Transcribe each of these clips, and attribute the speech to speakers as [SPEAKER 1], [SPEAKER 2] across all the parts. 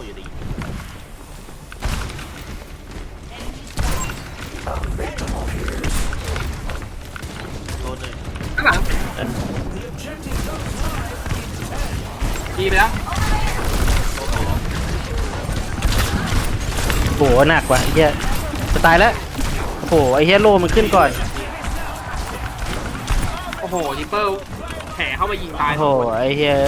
[SPEAKER 1] อยู่ดีโดนเลย
[SPEAKER 2] ข้างหลังดีไปแล้ว
[SPEAKER 3] โหหนักว่ะไอ้เหี้ยจะตายแล้วโหไอ้เหี้ยโลมันขึ้นก่อน
[SPEAKER 2] โอ้โหดิปเปิลแห่เข้ามายิงตาย
[SPEAKER 3] โหไอ้เหี้ย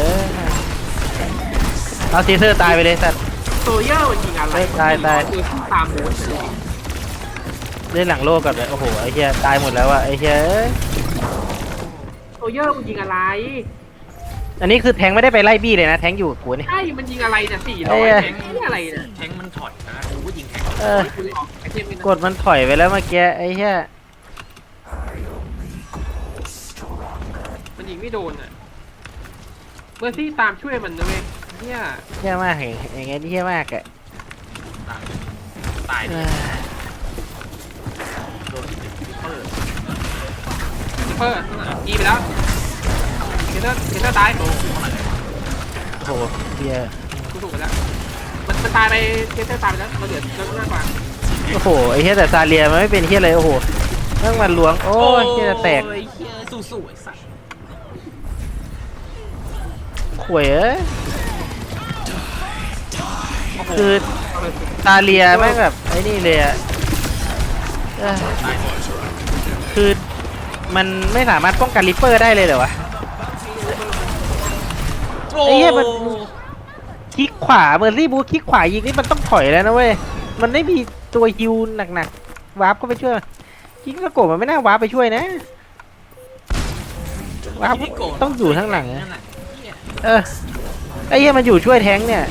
[SPEAKER 3] เอาซีเซอร์ตายไปเลยสัตว์
[SPEAKER 2] โซเยอร์มันยิงอะไร
[SPEAKER 3] ตาย
[SPEAKER 2] คือตามบูธ
[SPEAKER 3] เล่นหลังโลก่อนเลยโอ้โหไอ้เหี้ยตายหมดแล้วอ่ะไอ้เหี้ย
[SPEAKER 2] โซเยอร์มันยิงอะไร
[SPEAKER 3] อันนี้คือแทงไม่ได้ไปไล่บี้เลยนะแทงอยู่กับกูเนี่ย
[SPEAKER 2] ใช่มันยิงอะไรเนี่ย
[SPEAKER 3] เอ้ย
[SPEAKER 2] 400แทงนี่อะไรเนี่ย
[SPEAKER 1] แทงมันถอยนะกูก็ยิงแทง
[SPEAKER 3] เออ
[SPEAKER 2] คุณออกไอเทมนี่นะ
[SPEAKER 3] กดมันถอยไปแล้วเมื่อกี้ไอ้เหี้ย
[SPEAKER 2] มันยิงไม่โดนอ่ะเมอร์ซี่ตามช่วยมันนะเว้ยเนี่ย
[SPEAKER 3] เหี้ยมากอย่างเงี้ยเหี้ยมากอ่ะ
[SPEAKER 1] ตาย
[SPEAKER 3] เอ
[SPEAKER 1] ดิ
[SPEAKER 3] อ
[SPEAKER 1] โดนดิปเปอร์
[SPEAKER 2] ดิปเปอร์ยิงไปแล้วเทเตอร์ตาย
[SPEAKER 3] โอ้โหเหี้ย
[SPEAKER 2] กูถูกไปแล้วมันตายไปเทเตอร์ตายไปแล้วเราเหลือมากกว่า
[SPEAKER 3] โอ้โหไอ้เหี้ยแต่ซาเลียมันไม่เป็นเหี้ยอะไรโอ้โหนั่งมันล้วงโอ้ยเหี้ยจะแตก
[SPEAKER 1] โอ้ยเหี้ยสู้ๆไอ้สัส
[SPEAKER 3] ข่วยเอ้ยคือซาเลียแม่งแบบไอ้นี่เลยอ่ะเอ้ยคือมันไม่สามารถป้องกันริปเปอร์ได้เลยเหรอวะ ไอ้เหี้ยมัน คลิกขวาเมอร์ซี่บูคลิกขวายิงนี่มันต้องถอยแล้วนะเว้ยมันไม่มีตัวฮิวหนักๆวาร์ปก็ไปช่วยคลิกกระโกะมันไม่น่าวาร์ปไปช่วยนะวาร์ปต้องอยู่ข้างหลังนะ
[SPEAKER 1] นั่นน่ะเหี้ย
[SPEAKER 3] เออไอ้เหี้ยมันอยู่ช่วยแทงค์เนี่ย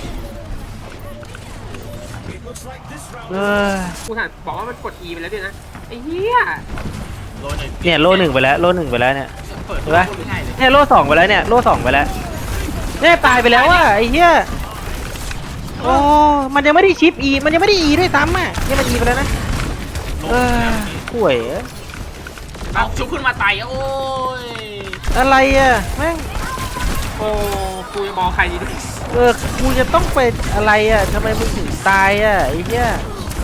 [SPEAKER 3] เออ
[SPEAKER 2] กูถามบอกว่ามันกด E ไปแล้วด้วยนะไอ้เหี้ย
[SPEAKER 1] โลหนึ่ง
[SPEAKER 3] เนี่ยโลหนึ่งไปแล้วโลหนึ่งไปแล้วเนี่ย
[SPEAKER 1] เปิด
[SPEAKER 3] เห็นปะ
[SPEAKER 1] ไม่ใช่เลย
[SPEAKER 3] เนี่ยโลสองไปแล้วเนี่ยโลสองไปแล้วเนี่ยตายไปแล้วว่ะไอ้เหี้ยโอ้มันยังไม่ได้ชิป E มันยังไม่ได้ E ด้วยซ้ำอ่ะเนี่ยมัน E ไปแล้วนะเออห่วยเอ้ย
[SPEAKER 1] เอาชุบขึ้นมาไต่โอ้ย
[SPEAKER 3] อะไรอ่ะแม่ง
[SPEAKER 2] โอ้กูจะมองใครดีดิ
[SPEAKER 3] กูจะต้องไปอะไรอ่ะทำไมมึงถึงตายอ่ะไอ้เหี้ย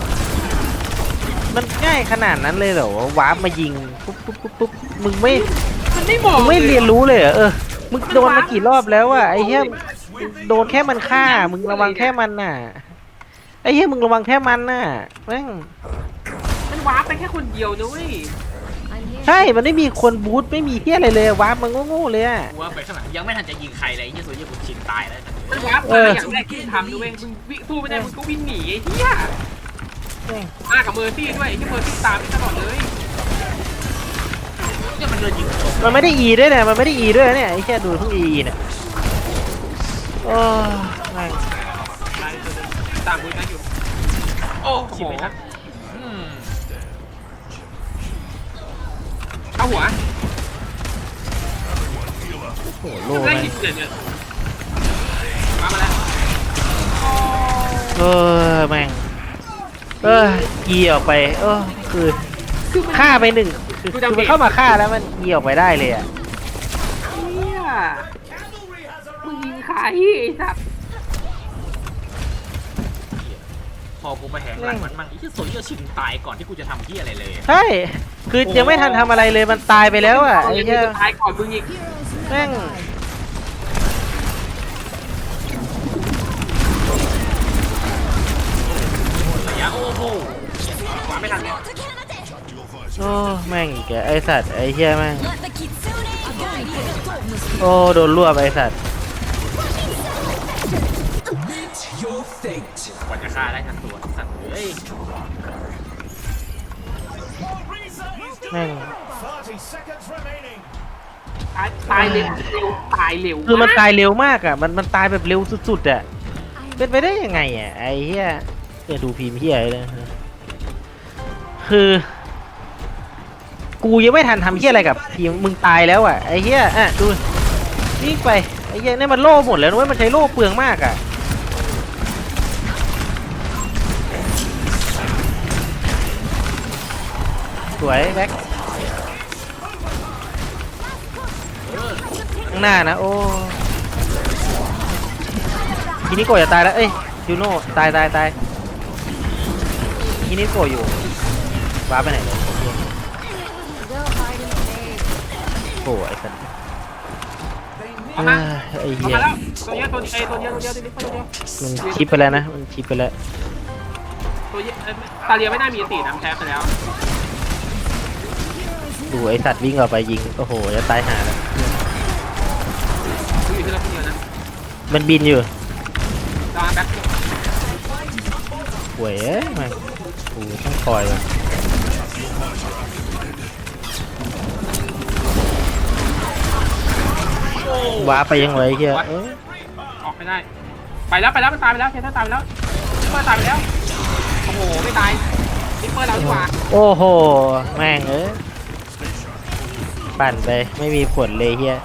[SPEAKER 3] มันง่ายขนาดนั้นเลยเหรอวะวาร์ปมายิงปุ๊บปุ๊บปุ๊บปุ๊บมึงไม่
[SPEAKER 2] มันไม่มอง
[SPEAKER 3] มึงไม่เรียนรู้เลยเหรอมึงโดนมากี่รอบแล้วอ่ะไอ้เหี้ยโดนแค่มันฆ่ามึงระวังแค่มันน่ะไอ้เหี้ยมึงระวังแค่มันน่ะแม่ง
[SPEAKER 2] มันวาร์ปไปแค่คนเดียวนะเว้ย
[SPEAKER 3] ใช่มันไม่มีคนบูทไม่มีเหี้ยอะไรเลยวาร์ปมันโง่ๆเลยอ่ะ
[SPEAKER 1] กูว่าไปข้างหลังยังไม่ทันจะยิงใครเลยไอ้เหี้ยโซเยอร์กูชิงตายแล้ว
[SPEAKER 2] มันวาร์ป
[SPEAKER 3] เอ
[SPEAKER 2] มา
[SPEAKER 3] อ
[SPEAKER 2] อย่างแรกที่ทำนะเว้ยมึงวิ่งสู้ไม่ได้มึงก็วิ่งหนีไอ้เหี้ย
[SPEAKER 3] แม่ง
[SPEAKER 2] มากับเมอร์ซี่ด้วยที่เมอร์ซี่ตามไปตลอดเลย
[SPEAKER 1] เนี่ยมันเดินยิงตรง
[SPEAKER 3] มันไม่ได้ E ด้วยเนี่ยมันไม่ได้ E ด้วยเนี่ยไอ้แค่ดูเพิ่ง E เนี่ยโอ้แม่ง
[SPEAKER 2] ตามบูธนั่นอยู่โอ้โห
[SPEAKER 1] ชิบไม่ทันอืม
[SPEAKER 2] เข้าหัว
[SPEAKER 3] โอ้โหโล
[SPEAKER 2] ไล่
[SPEAKER 3] แม่ง
[SPEAKER 2] ยิงเนี่ยมาแล้ว
[SPEAKER 3] แม่งกีออกไปคือฆ่าไปหนึ่งคือมันเข้ามาฆ่าแล้วมันกีออกไปได้เลยอ่ะ
[SPEAKER 2] เหี้ยมึงยิงใครไอ้สัตว์
[SPEAKER 1] พอกูมาแหงหลังมันไอ้เหี้ยโซเยอร์ชิงตายก่อนที่กูจะทำเหี้ยอะไรเลย
[SPEAKER 3] ใช่คือยังไม่ทันทำอะไรเลยมันตายไปแล้วอ่ะไอ้เหี้ย
[SPEAKER 2] ตายก่อนมึงอีก
[SPEAKER 3] แม่ง
[SPEAKER 1] ระยะโอ้โห
[SPEAKER 2] ขวาไม่ทันเนี่ย
[SPEAKER 3] โอ้แม่งอีกไอสัตว์ไอ้เหี้ยแม่งโอ้โดนรวบไอสัตว์
[SPEAKER 1] กว่าจะฆ่าได้ทันตัวสัตว์เฮ้ย
[SPEAKER 3] แม่ง
[SPEAKER 2] ตายเร็วตายเร็ว
[SPEAKER 3] คือมันตายเร็วมากอ่ะมันตายแบบเร็วสุดๆอ่ะเป็นไปได้ยังไงอ่ะไอ้เหี้ยเนี่ยดูพิมพ์เหี้ยเลยคือกูยังไม่ทันทำเหี้ยอะไรกับทีมมึงตายแล้วอ่ะไอ้เหี้ยดูนี่ไปไอ้เหี้ยนี่มันโล่หมดแล้วนะเว้ยมันใช้โล่เปลืองมากอ่ะสวยแบ็คข้างหน้านะโอ้ทีนี้โกรธจะตายแล้วเอ้ยยูโน่ตายอีนี่โผล่อยู่ว้าร์ปไปไหนเลยโอ้ไอ้สัน
[SPEAKER 2] เอามา
[SPEAKER 3] ไอ้
[SPEAKER 2] เอา
[SPEAKER 3] เหี้ย
[SPEAKER 2] มาแล้วตัวเดียวตัวเดียวตัวเดียวตัวเดียว
[SPEAKER 3] มันชิปไปแล้วนะมันชิปไปแล้ว
[SPEAKER 2] ตัวเดียวตาเรียไม่น่ามีสีน้ำแท้ไปแล้ว
[SPEAKER 3] ดูไอ้สัตว์วิ่งออกไปยิงโอ้โหจะตายห่าแล้ว
[SPEAKER 2] กูอยู่ที่เราคนเดียวนะ
[SPEAKER 3] มันบินอยู่
[SPEAKER 2] ตามแบ็ค
[SPEAKER 3] หวยเอ้ยแม่งกูต้องคอยว่ะว้าร์ปไปยังไงเหี้ยเอ้ย
[SPEAKER 2] ออกไม่ได้ไปแล้วมันตายไปแล้วเทสตายไปแล้วลิปเปอร์ตายไปแล้วโอ้โหไม่ตายลิปเปอร์เราดีกว่า
[SPEAKER 3] โอ้โหแม่งเอ้ยปั่นไปไม่มีผลเลยเฮีย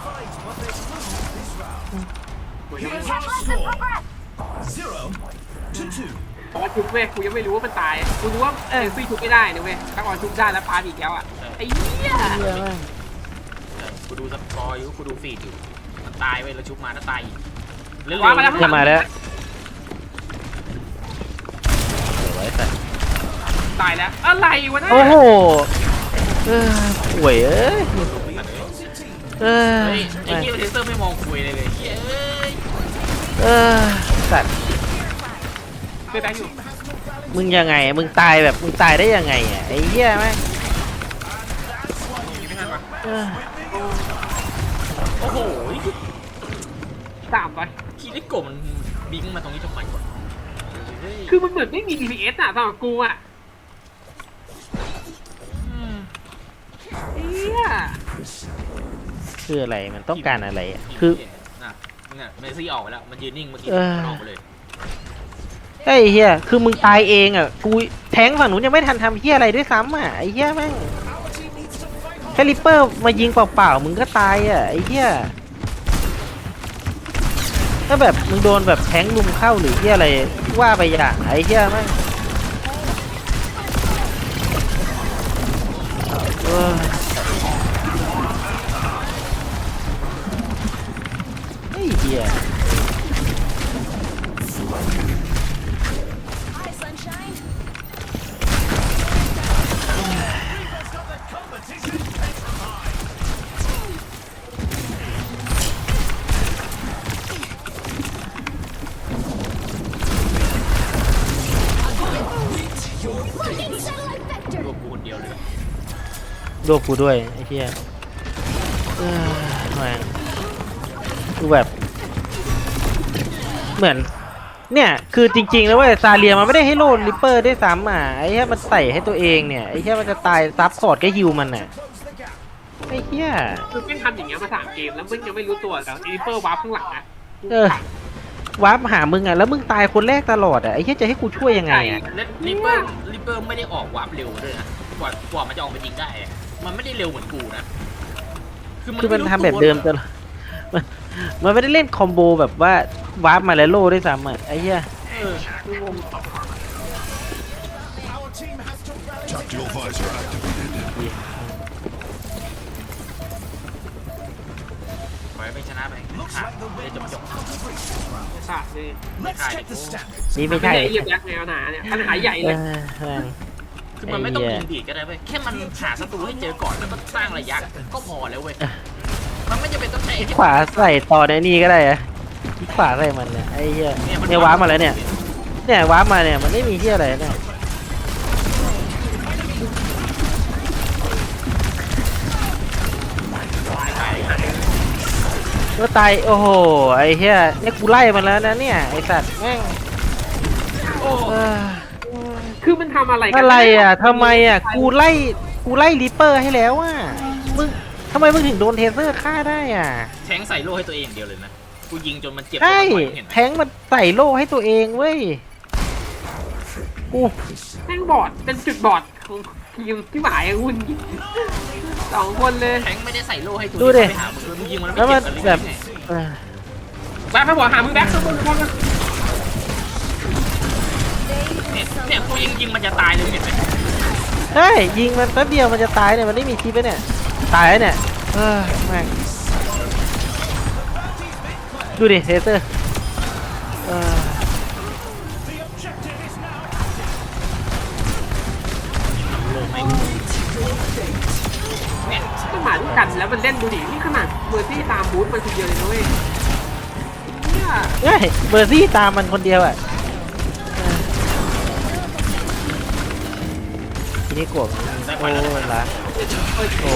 [SPEAKER 2] เพราะว่าชุบเว้ยกูยังไม่รู้ว่ามันตายกูรู้ว่าฟรีชุบไม่ได้นะเว้ยถ้าออนชุบได้แล้วปาอีกแล้วอ่ะไอ้เหี้ย
[SPEAKER 3] เหี้ยแม่ง
[SPEAKER 1] กูดูสกอร์อยู่กูดูฟีดอยู่มันตายเว้ยแล้วชุบมาแล้วตายอีกเล่น
[SPEAKER 2] ว้ามาแล้ว
[SPEAKER 3] จะมาแล้วเดี๋ยวไว้สัตว์
[SPEAKER 2] ตายแล้วอะไรวะเนี่ย
[SPEAKER 3] โอ้โหหวยเอ้ยเออ
[SPEAKER 1] เฮ้ยไอ้เหี้ยเทเซอร์ไม่มองคุยเลยเฮ้ย
[SPEAKER 3] เออสัตว์
[SPEAKER 2] ไปแบงค์อยู่
[SPEAKER 3] มึงยังไงมึงตายแบบมึงตายได้ยังไงอ่ะไอ้เหี้ยแม่ง
[SPEAKER 2] ไม่ทันวะ
[SPEAKER 3] เออ
[SPEAKER 1] โอ้โห
[SPEAKER 2] สามไป
[SPEAKER 1] คีริโกะมันบิงมาตรงนี้ทำไมวะเฮ้ย
[SPEAKER 2] คือมันเหมือนไม่มี DPS อ่ะสำหรับกูอ่ะเหี้ย
[SPEAKER 3] คืออะไรมันต้องการอะไรอ่ะคือ
[SPEAKER 1] น่ะเนี่ยเมซี่ออกไปแล้วมันยืนนิ่งเมื่อกี้
[SPEAKER 3] เออ
[SPEAKER 1] มันออกไปเลย
[SPEAKER 3] ไอ้เหี้ยคือมึงตายเองอ่ะกูแทงฝั่งนู้นยังไม่ทันทำเหี้ยอะไรด้วยซ้ำอ่ะไอ้เหี้ยแม่งแค่ริปเปอร์มายิงเปล่าๆมึงก็ตายอ่ะไอ้เหี้ยถ้าแบบมึงโดนแบบแทงลุมเข้าหรือเหี้ยอะไรว่าไปอย่างไอ้เหี้ยแม่งเออไอ้เหี้ย
[SPEAKER 1] รวมกูคนเดียวเลย
[SPEAKER 3] โดนกูด้วยไอ้เหี้ยแม่งกูแบบเหมือนเนี่ยคือจริงๆแล้วเว้ยซาเลียมันไม่ได้ให้โลดริปเปอร์ได้วยซ้ำอ่ะไอ้เหี้ยมันใส่ให้ตัวเองเนี่ยไอ้เหี้ยมันจะตายซับพอร์ตก็ฮิวมันอ่ะไอ้เหี้ย
[SPEAKER 2] คือแม่งทำอย่างเงี้ยมา3 เกมแล้วมึงยังไม่รู้ตัวแล้วอีเปอร์วาร์ปข้างหลังอ่ะ
[SPEAKER 3] วาร์ปหามึงอ่ะแล้วมึงตายคนแรกตลอดอ่ะไอ้เหี้ยจะให้กูช่วยยังไงอ่ะ
[SPEAKER 1] และลิปเปอร์ไม่ได้ออกวาร์ปเร็วด้วยนะกว่ามันจะออกมายิงได้อะมันไม่ได้เร็วเหมือนกูนะ
[SPEAKER 3] คือมันทำแบบเดิมตลอดมันไม่ได้เล่นคอมโบแบบว่าวาร์ปมาแล้วโล่ด้วยซ้ำอ่ะไอ้เหี้ย
[SPEAKER 1] เออ
[SPEAKER 4] Tactical visor activated.
[SPEAKER 1] ปล่อยไปชนะไปขาดเลยจบ
[SPEAKER 2] ขาดเลย
[SPEAKER 1] ไม่ขายดิ
[SPEAKER 3] นี่ไม่ใช่
[SPEAKER 2] ไอ้เหี้ยแบ็คแนวหนาเนี่ยปัญหาใหญ่เลย
[SPEAKER 3] แม่ง
[SPEAKER 1] คือมันไม่ต้องยิงดีก็ได้เว้ยแค่มันหาศัตรูให้เจอก่อนแล้วก็สร้างระยะก็พอแล้วเว้ยมันไม่จำเป็นต้องใช้
[SPEAKER 3] ขวาใส่ต่อในนี่ก็ได้อะที่ขวาใส่มันเนี่ยไอ้เหี้ยเนี่ยว้าร์ปมาแล้วเนี่ยว้าร์ปมาเนี่ยมันไม่มีที่อะไรเนี่ยก็ตายโอ้โหไอ้เหี้ยเนี่ยกูไล่มันแล้วนะเนี่ยไอ้สัตว์แม่งเออ
[SPEAKER 2] คือมันทำอะไรกั
[SPEAKER 3] อะไรอ่ะทำไมอ่ะกูไล่ริปเปอร์ให้แล้วอ่ะมึงทำไมมึงถึงโดนเทเซอร์ฆ่าได้อ่ะ
[SPEAKER 1] แทงใส่โล่ให้ตัวเองเดียวเลยนะกูยิงจนมันเจ็บ
[SPEAKER 3] ใช่
[SPEAKER 1] เห็นไหม
[SPEAKER 3] แทงมันใส่โล่ให้ตัวเองเว้ยกู
[SPEAKER 2] แม่งบอดเป็นจุดบอดของทีมที่หมายอะคุณ2 คนเลย
[SPEAKER 1] แทงไม่ได้ใส่โล่ให้ตัว
[SPEAKER 3] ดูดิ
[SPEAKER 1] ไปหามึงยิงมัน
[SPEAKER 3] แล้ว
[SPEAKER 1] ไม่
[SPEAKER 3] มัน
[SPEAKER 1] เจ็บอะไร
[SPEAKER 3] แบบ
[SPEAKER 1] ไง
[SPEAKER 3] เออ
[SPEAKER 2] แบ็คไปบอกหามึงแบ็คคน
[SPEAKER 1] เนี่ยกูยิงมันจะตายเลยเห็นไหม
[SPEAKER 3] เฮ้ยยิงมันแป๊บเดียวมันจะตายเนี่ยมันไม่มีชีพแล้วเนี่ยตายแล้วเนี่ยแม่งดูดิเทเซอร์
[SPEAKER 2] มันเล่นดูดินี่ขนาดเมอร์ซี่ตามบูธมันคนเดียวเลยนะเว้ยเนี่ย
[SPEAKER 3] เฮ้ยเบอร์ซี่ตามมันคนเดียวอ่ะทีนี้กลัวโอ้ละโอ้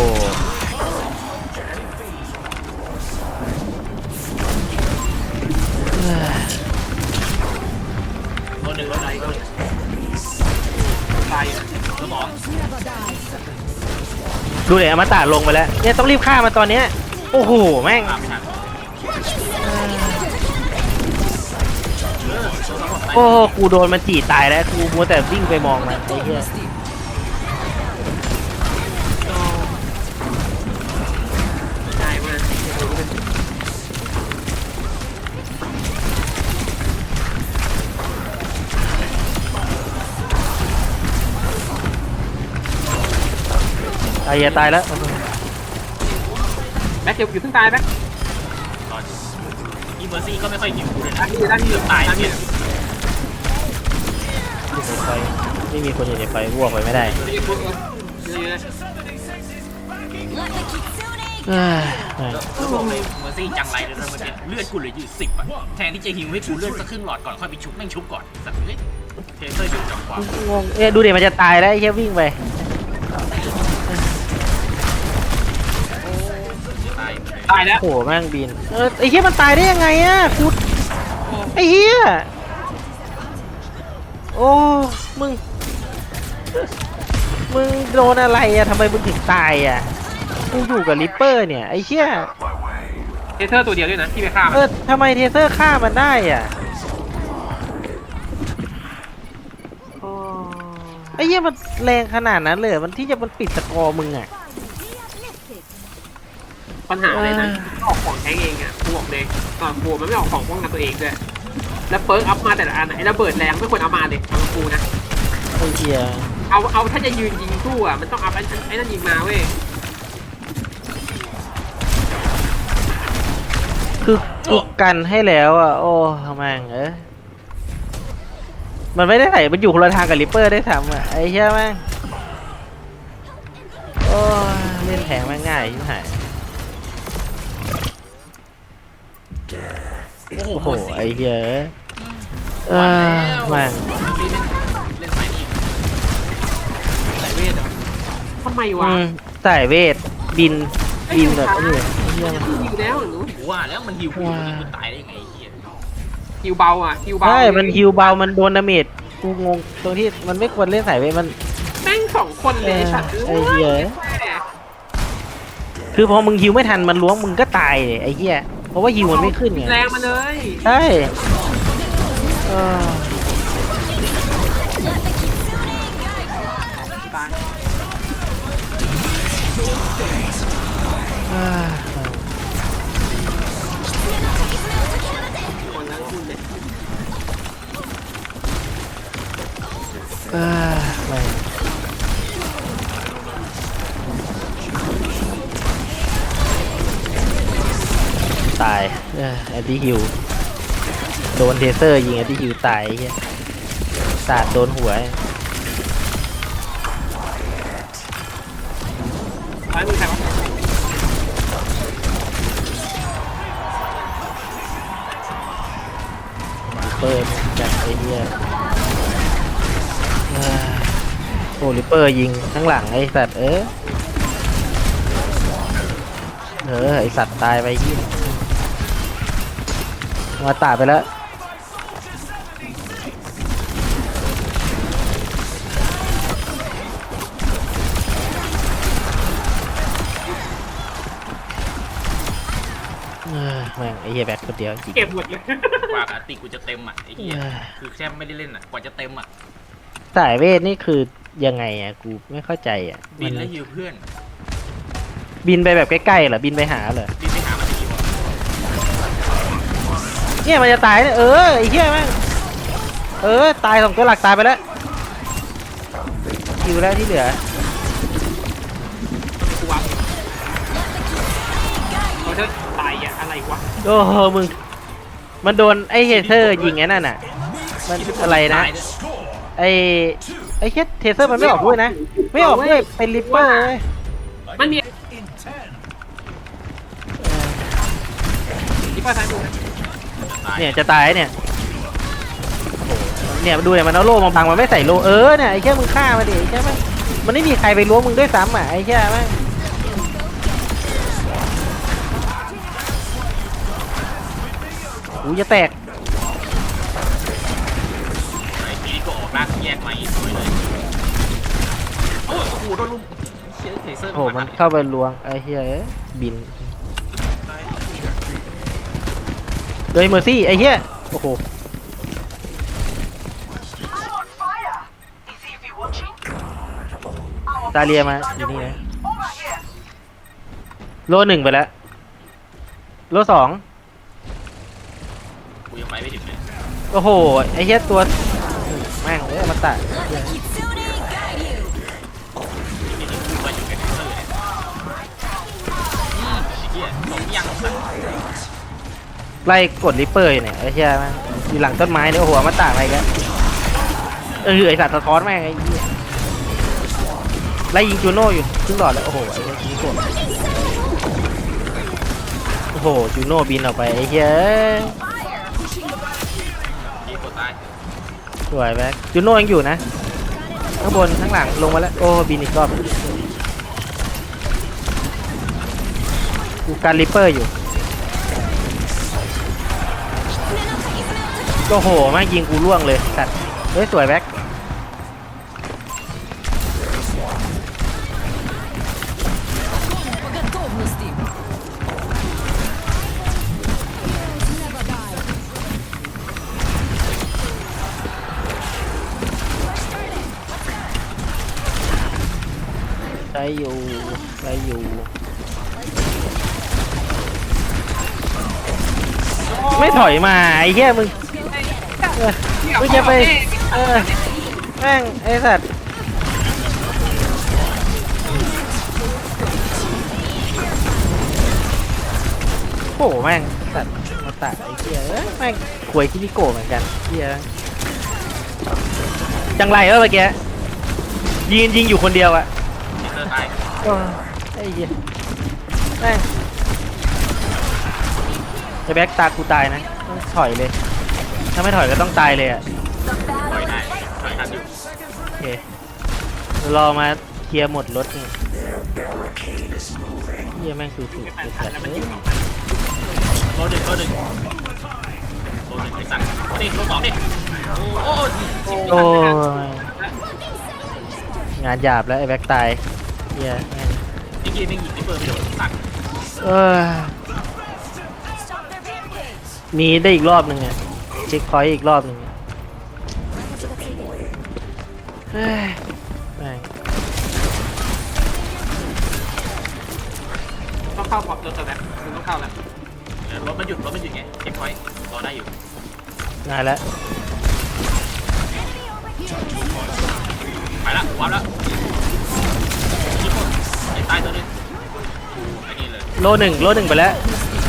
[SPEAKER 1] ตัวหนึ่งแล้วไหนก็
[SPEAKER 2] ตายอ่ะ
[SPEAKER 1] สมอง
[SPEAKER 3] ดูเลยอมตะลงไปแล้วเนี่ยต้องรีบฆ่ามันตอนเนี้ยโอ้โหแม่ง
[SPEAKER 1] ตามไม่ทันตัวสมองตาย
[SPEAKER 3] โอ้กูโดนมันจีตายแล้วกูมัวแต่วิ่งไปมองมันไอ้เหี้ย
[SPEAKER 2] ตายมาก
[SPEAKER 3] ตายอย่าตายแล้ว
[SPEAKER 2] แบ็คเก็บอยู่ขึ้นตายแบ็ค
[SPEAKER 1] รอดอีเมอร์ซี่ก็ไม่ค่อยหิวกูเลย
[SPEAKER 2] ด้า
[SPEAKER 1] นะ
[SPEAKER 2] นนี้ด้านนี้
[SPEAKER 1] เกือบตายนะเนี่ย
[SPEAKER 3] อยู่ในไฟไม่มีคนอยู่ในไฟวัวไปไม่ได้
[SPEAKER 2] เยอะ
[SPEAKER 3] เอ้ยแม่ง
[SPEAKER 1] ก็บอกเลยเมอร์ซี่จังไรเลยนะเมื่อกี้เลือดกูเหลืออยู่10อ่ะแทนที่จะหิวให้กูเลือดสักครึ่งหลอดก่อนค่อยไปชุบแม่งชุบก่อนสัตว์เฮ้ยเทเซอร์ชุบจังกว่า
[SPEAKER 3] งงเอ้ยดูเดี๋ยวมันจะตายแล้วไอ้เหี้ยวิ่งไป
[SPEAKER 1] ตายหมดเลย
[SPEAKER 2] ตายแล้ว
[SPEAKER 3] โอ้โหแม่งบินไอ้เหี้ยมันตายได้ยังไงอะกูไอ้เหี้ยโอ้มึงโดนอะไรอะทำไมมึงถึงตายอะกูอยู่กับลิปเปอร์เนี่ยไอ้เหี้ย
[SPEAKER 2] เทเทอร์ตัวเดียวด้วยนะที่ไปฆ่ามัน
[SPEAKER 3] ทำไมเทเซอร์ฆ่ามันได้อะไอ้เหี้ยมันแรงขนาดนั้นเลยเหรอมันที่จะมันปิดสกอร์มึงอะ
[SPEAKER 2] ปัญหาเลยนะออกของแท้เองอ่ะกูบอกเลยตอนกูมันไม่ออกของป้องกันตัวเองด้วยแล้วเปิร์กอัพมาแต่ละอันไอ้ระเบิดแรงไม่ควรเอามาเลยเอากูนะ
[SPEAKER 3] ไอ้เหี้ย
[SPEAKER 2] เอาถ้าจะยืนยิงสู้อ่ะมันต้องเอาไอ้นั่นยิงมาเว้ย
[SPEAKER 3] คือกูกันให้แล้วอ่ะโอ้แม่งมันไม่ได้ไหนมันอยู่คนละทางกับริปเปอร์ได้ทำอ่ะไอ้เหี้ยแม่งโอ้ยเล่นแผงแม่งง่ายที่ไหน
[SPEAKER 1] โอ้โห
[SPEAKER 3] โอ้โห
[SPEAKER 1] เมอร์ซี่
[SPEAKER 3] ไอ้เหี้ยเอ
[SPEAKER 1] มา
[SPEAKER 3] อ
[SPEAKER 1] แล้ว
[SPEAKER 3] แม่ง
[SPEAKER 1] เล่นสายนี้สายเวทเหรอ
[SPEAKER 2] ทำไมวะ
[SPEAKER 3] ใส่เวทบินแบบนี้ไอ้เหี้ย
[SPEAKER 2] ยิวแล้วหนู
[SPEAKER 1] กูว่าแล้วมันหิวกูอยู่กูตายได้ไงไอ้เหี้ย
[SPEAKER 2] ยิวเบาอ่ะยิวเบา
[SPEAKER 3] ใช่มันฮิวเบามันโดนดาเมจกูงงตรงที่มันไม่ควรเล่นใส่เวทมัน
[SPEAKER 2] แม่งสองคนเลยสัตว์
[SPEAKER 3] ไอ้เหี้ย คือพอมึงฮิวไม่ทันมันล้วงมึงก็ตายเลยไอ้เหี้ยเพราะว่าฮิวมันไม่ขึ้นไง
[SPEAKER 2] แรงมาเลย
[SPEAKER 3] ใช่เออ
[SPEAKER 2] ตาย
[SPEAKER 3] อ่า
[SPEAKER 2] คนแล้วคุณเนี่ย
[SPEAKER 3] ไม่ตายแอนตี้ฮิวโดนเทเซอร์ยิงแอนตี้ฮิวตายไอ้เหี้ยสาดโดนหัว
[SPEAKER 2] ตายมือใครวะ
[SPEAKER 3] ลิปเปอร์จากไอ้เหี้ยโอ้ลิปเปอร์ยิงข้างหลังไอ้สัตว์ไอสัตว์ตายไปยี่มาตาไปแล้วแม่งไอ้เหี้ยแบกคนเดียวจริง
[SPEAKER 2] เก็บหมดเลย
[SPEAKER 1] กว่าอาติกูจะเต็มอ่ะไอ้เหี้ยคือแค่ไม่ได้เล่นอ่ะกว่าจะเต็มอ่ะ
[SPEAKER 3] สายเวทนี่คือยังไงอ่ะกูไม่เข้าใจอ่ะ
[SPEAKER 1] บินแล้วฮิวเพื่อน
[SPEAKER 3] บินไปแบบใกล้ๆเหรอบินไปหาเหรอ
[SPEAKER 1] บินไปหามันจะฮิวอะ
[SPEAKER 3] เนี่ยมันจะตายเนี่ยไอ้เหี้ยแม่งตาย2ตัวหลักตายไปแล้วคิวแล้วที่เหลือ
[SPEAKER 2] กูวะเขาจะตายอ่ะอะไรวะ
[SPEAKER 3] โอ้โหมึงมันโดนไอ้เฮเทอร์ยิงไอ้นั่นน่ะมันอะไรนะ
[SPEAKER 1] ตายด้วย
[SPEAKER 3] ไอ้เฮเทเซอร์มันไม่ออกด้วยนะไม่ออกด้วยเป็นริปเปอร์เว้ย
[SPEAKER 2] มันมีที่ป้าซ้ายมือ
[SPEAKER 1] ตาย
[SPEAKER 3] เนี่ยจะตายเนี่ยโอ้โหเนี่ยดูเนี่ยมันเอาโล่มาพังมันไม่ใส่โล่เนี่ยไอ้แค่มึงฆ่ามาดิไอ้แค่มันไม่มีใครไปล้วงมึงด้วยซ้ำอ่ะไอ้แค่แม่งกูจะแตก
[SPEAKER 1] ไอ้ทีนี้ก็ออกร่างแยกมาอีกสวยเลยโอ้โหโดนลุมเชี่ยเทเซอร์
[SPEAKER 3] โอ้โหมันเข้าไปล้วงไอ้เหี้ยเอ้ยบินโดยเมอร์ซี่ไอ้เหี้ยโอ้โหตาเลียมาอยู่นี่นะโลหนึ่งไปแล้วโลสอง
[SPEAKER 1] กูยังไปไม่ถึงเลย
[SPEAKER 3] โอ้โหไอ้เหี้ยตัวแม่งเลยมาตัด
[SPEAKER 1] นี่กูมาอยู่กับเทเซอร์เนี่ยไอ้เหี้ยสองยังสัตว์
[SPEAKER 3] ไล่กดริปเปอร์อยู่เนี่ยไอ้เหี้ยแม่งอยู่หลังต้นไม้เนี่ยโอ้โหมาตัดอะไรกันไอ้สัตว์สะท้อนแม่งไอ้เหี้ยไล่ยิงจูโน่อยู่ครึ่งหลอดแล้วโอ้โหไอ้เหี้ยยิงกดโอ้โหจูโน่บินออกไปไอ้เหี้ย
[SPEAKER 1] ที่กดตาย
[SPEAKER 3] สวยแบ็คจูโน่ยังอยู่นะข้างบนข้างหลังลงมาแล้วโอ้บินอีกรอบกูการริปเปอร์อยู่โอ้โหแม่งยิงกูล่วงเลยสัตว์เฮ้ยสวยแบ็ค ใช้อยู่ใช้อยู่ไม่ถอยมาไอ้เหี้ยมึงมึงจะไปแม่งไอ้สัตว์โอ้โหแม่งสัตว์มาตัดไอ้เหี้ยแม่งควยคิริโกะเหมือนกันเหี้ยจังไรเมื่อกี้ยิงอยู่คนเดียวอะ
[SPEAKER 1] เทเซอร์ตาย
[SPEAKER 3] ก็ไอ้เหี้ยแม่งไอ้แบ็กตากูตายนะต้องถอยเลยถ้าไม่ถอยก็ต้องตายเลยอ่ะ
[SPEAKER 1] ถอยได้ถอยทันอยู่
[SPEAKER 3] โอเครอมาเคลียร์หมดรถนี่เหี้ยแม่งสุดๆไอ้สัตว์เอ้ย
[SPEAKER 1] โลหนึ่งโลหนึ่งโลหนึ่งไอ้สัตว์ดิโลสองดิโอ้ย
[SPEAKER 3] โอ้ยงานหยาบแล้วไอ้แบ็กตายเหี้ยแม่ง
[SPEAKER 1] ไอ้เกมไม่ยิงไอ้เปิดไม่โดนสัตว์
[SPEAKER 3] เออมีได้อีกรอบหนึ่งอ่ะเช็คพอยต์อีกรอบหนึ่งอะเฮ้ยแม่ง
[SPEAKER 2] ต้องเข้าพอรถตัวแบบมึงต้องเข้าแล้ว
[SPEAKER 1] รถมันหยุดไงเก็บไว้รอได้อยู่
[SPEAKER 3] งานแล้ว
[SPEAKER 1] ไปละวับละยิงคนไอ้ตายตัวนึงไอ้นี่เลย
[SPEAKER 3] โลหนึ่งไปแล้ว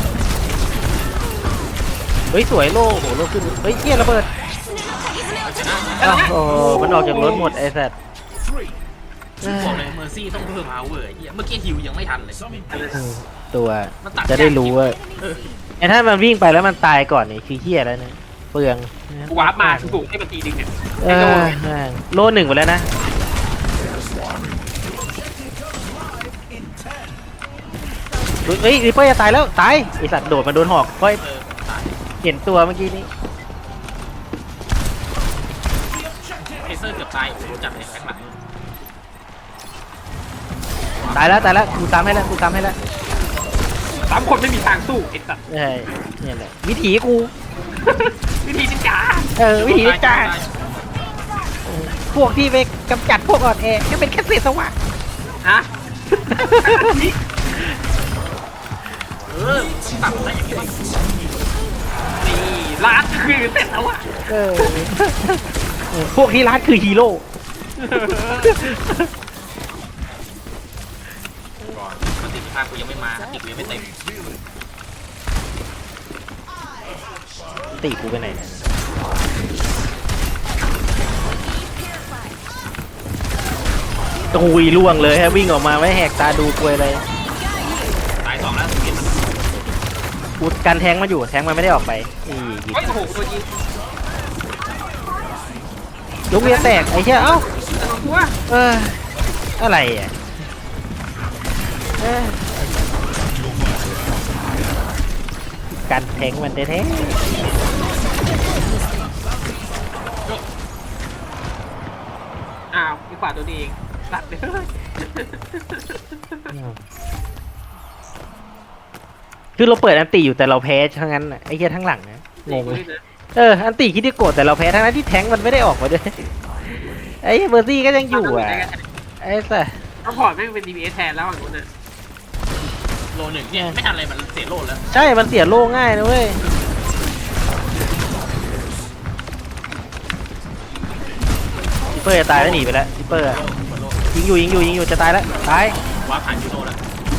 [SPEAKER 3] เฮ้ยสวยโลโอ้โหโลขึ้นเฮ้ยเกี้ยระเบิด
[SPEAKER 1] ชนะ
[SPEAKER 3] อ้าวโอ้โหมันออกจากรถหมดไอ้สัตว์
[SPEAKER 1] บอกเลยเมอร์ซี่ต้องเพิ่มพาวเวอร์ไอ้เหี้ยเมื่อกี้ฮิวยังไม่ทันเลย
[SPEAKER 3] ตัว
[SPEAKER 1] มันตัด
[SPEAKER 3] จะได้รู้ว่า
[SPEAKER 1] เออ
[SPEAKER 3] ไอ้ถ้ามันวิ่งไปแล้วมันตายก่อนนี่คือเฮี้ยแล้วนะเปลืองนะ
[SPEAKER 2] กูวาร์ปมากูปลุกให้มันทีนึงเนี่ย
[SPEAKER 3] เออแม่งโลหนึ่งไปแล้วนะเฮ้ยริปเปอร์จะตายแล้วตายไอสัตว์โดดมาโดนหอกก็
[SPEAKER 1] เออตาย
[SPEAKER 3] เห็นตัวเมื่อกี้นี้
[SPEAKER 1] เทเซอร์เกือบตายโอ้โหจับไอ้แข็งหลัง
[SPEAKER 3] ตายแล้วกูตามให้แล้ว
[SPEAKER 2] สามคนไม่มีทางสู้ไอ้สัตว์
[SPEAKER 3] เอ้ยเนี่ยแหละวิถีกู
[SPEAKER 2] วิธีนินจา
[SPEAKER 3] วิถีนินจาพวกที่ไปกำจัดพวกอ่อนแอก็เป็นแค่เศษสวะ
[SPEAKER 2] ฮะ
[SPEAKER 1] เออตัดได้อย่างนี้
[SPEAKER 2] นี่ร้านคือเสร็จแล้วอ่ะ
[SPEAKER 3] เออพวกที่ร้านคือฮีโร่
[SPEAKER 1] ก่อนประสิทธิภาพกูยังไม่มาอีกเลยไม่เต็ม
[SPEAKER 3] ตีกูไปไหนเนี่ยตุยล่วงเลยฮะวิ่งออกมาไม่แหกตาดูกลวยอะไร
[SPEAKER 1] ตายสองแล้วเกมมัน
[SPEAKER 3] กูกันแทงมาอยู่แทงมันไม่ได้ออกไปอี
[SPEAKER 2] เฮ้ยโอ้โหตัวยิง
[SPEAKER 3] ลูกเวียแตกไอ้เหี้ยเอ้า
[SPEAKER 2] แต่ของกูอะ
[SPEAKER 3] เอออะไรอ่ะเออกันแทงมันแท้
[SPEAKER 2] อ้าวมีขวาตัวนี้เองตัดเลย
[SPEAKER 3] ๆคือเราเปิดอันติอยู่แต่เราแพ้ทั้งนั้นน่ะไอ้เหี้ยทั้งหลังนะงงเลย
[SPEAKER 2] นะ
[SPEAKER 3] อันติคิดที่โกรธแต่เราแพ้ทั้งนั้นที่แทงมันไม่ได้ออกมาด้วยไอ้เบอร์ซี่ก็ยังอยู่อ่ะไอ้สัส
[SPEAKER 2] เอาพอร์ตแม่งเป็น DPS แทนแล้วอย่างนู้นน่ะ
[SPEAKER 1] โลหนึ่งเนี่ยไม่ทันอะไรมันเสียโลแล้ว
[SPEAKER 3] ใช่มันเสียโล่ง่ายนะเว้ยซิปเปอร์จะตายแล้วหนีไปแล้วซิปเปอร์อะยิงอยู่จะตายแล้วตาย
[SPEAKER 1] ว้าผ่านยูโรแล้ว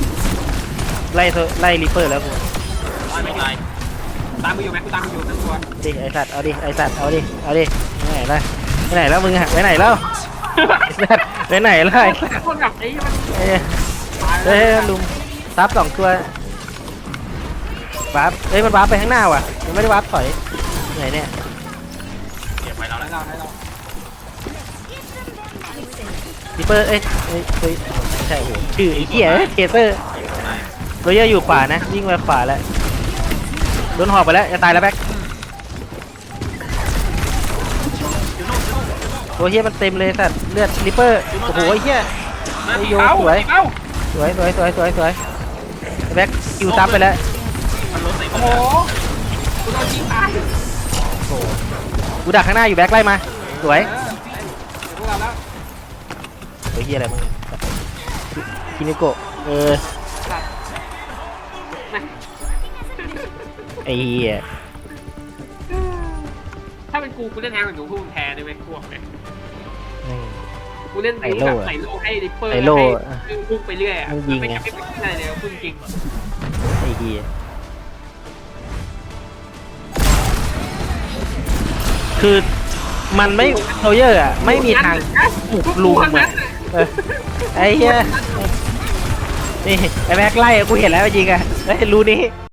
[SPEAKER 3] ไล่ริปเปอร์แล้วกู
[SPEAKER 1] ว้าไม่ตาย
[SPEAKER 2] ตามมืออยู่ไหมกูตามมืออยู่ทั้งตัว
[SPEAKER 3] ดิไอสัตว์เอาดิไอสัตว์เอาดิไปไหนแล้วมึงอะไปไหนแล้วไอสัตว์ไปไหนแล้วไอสัตว์
[SPEAKER 2] คนกับไอ้มัน
[SPEAKER 3] เฮ้ยลุมซับสองตัววาร์ปมันวาร์ปไปข้างหน้าว่ะมันไม่ได้วาร์ปถอยไหนเนี่ย
[SPEAKER 1] เก็บไปแล้ว
[SPEAKER 2] ให้
[SPEAKER 1] แล้ว
[SPEAKER 2] เราให้เรา
[SPEAKER 3] ริปเปอร์เฮ้ยไม่ใช่โอ้โหชื่อไอ้เหี้ยเทเตอร์
[SPEAKER 1] ตาย
[SPEAKER 3] โรเยอร์อยู่ขวานะวิ่งไปขวาแล้วโดนหอกไปแล้วจะตายแล้วแบ็คโอ้เหี้ยมันเต็มเลยสัตว์เลือดริปเปอร์โอ้โหไอ้เหี้ย
[SPEAKER 2] มา
[SPEAKER 3] ไอ้
[SPEAKER 2] ตี
[SPEAKER 3] โย
[SPEAKER 2] เขา
[SPEAKER 3] สวย
[SPEAKER 2] ตีเขา
[SPEAKER 3] สวยแบ็คคิวซับไปแล้ว
[SPEAKER 1] มันลดใส่
[SPEAKER 2] โอ้โหกูโดนยิงตาย
[SPEAKER 3] กูดักข้างหน้าอยู่แบ็คไล่มาสวย
[SPEAKER 2] เดี๋ยวพวกเราแล้ว
[SPEAKER 3] โอ้ยเหี้ยอะไรมึงคินิโกะ
[SPEAKER 2] สัตว์แม่ง
[SPEAKER 3] ไอ้เหี้ย
[SPEAKER 2] ถ้าเป็นกูเล่นแทงเหมือนกูแพ้ได้ไหมพวกเนี่ย
[SPEAKER 3] อืม
[SPEAKER 2] กูเล่น
[SPEAKER 3] ไอ้โล่
[SPEAKER 2] แบบใส่โล่ให้ริปเปอร์
[SPEAKER 3] ไอ้โล่
[SPEAKER 2] ให้พุ่งไปเรื่อยอ่ะ
[SPEAKER 3] มันยิงไง
[SPEAKER 2] ไม่เป็นอะไรเลยพุ่งจริง
[SPEAKER 3] ไอ้เหี้ยคือมันไม่โรเยอร์อะไม่มีทางบุกลุมอะไอ้เหี้ยนี่ไอ้แบ็คไล่อะกูเห็นแล้วจริงอะเฮ้ยรู้นี้